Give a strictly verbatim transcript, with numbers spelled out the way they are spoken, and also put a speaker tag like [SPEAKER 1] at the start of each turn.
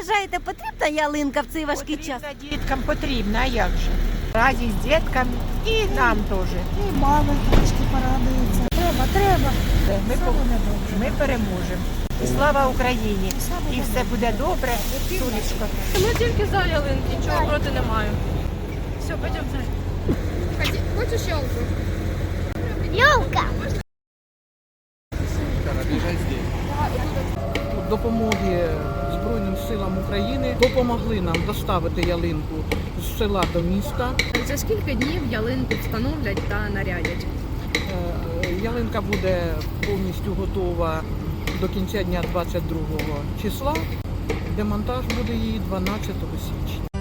[SPEAKER 1] вважаєте, потрібна ялинка в цей важкий час?
[SPEAKER 2] Потрібно діткам, потрібно, а як же? Разі з дітками і нам теж.
[SPEAKER 3] І мами трошки порадуються. Треба, треба.
[SPEAKER 2] Ми, по- ми переможемо. І слава Україні! І все буде добре, сонечко.
[SPEAKER 4] Ми тільки за ялинки, нічого проти не маю. Все, пойдемо за. Хочеш ялку?
[SPEAKER 1] Йолка!
[SPEAKER 5] Допомоги Збройним силам України допомогли нам доставити ялинку з села до міста.
[SPEAKER 4] За скільки днів ялинку встановлять та нарядять?
[SPEAKER 5] Е, Ялинка буде повністю готова до кінця дня двадцять другого числа. Демонтаж буде її дванадцятого січня.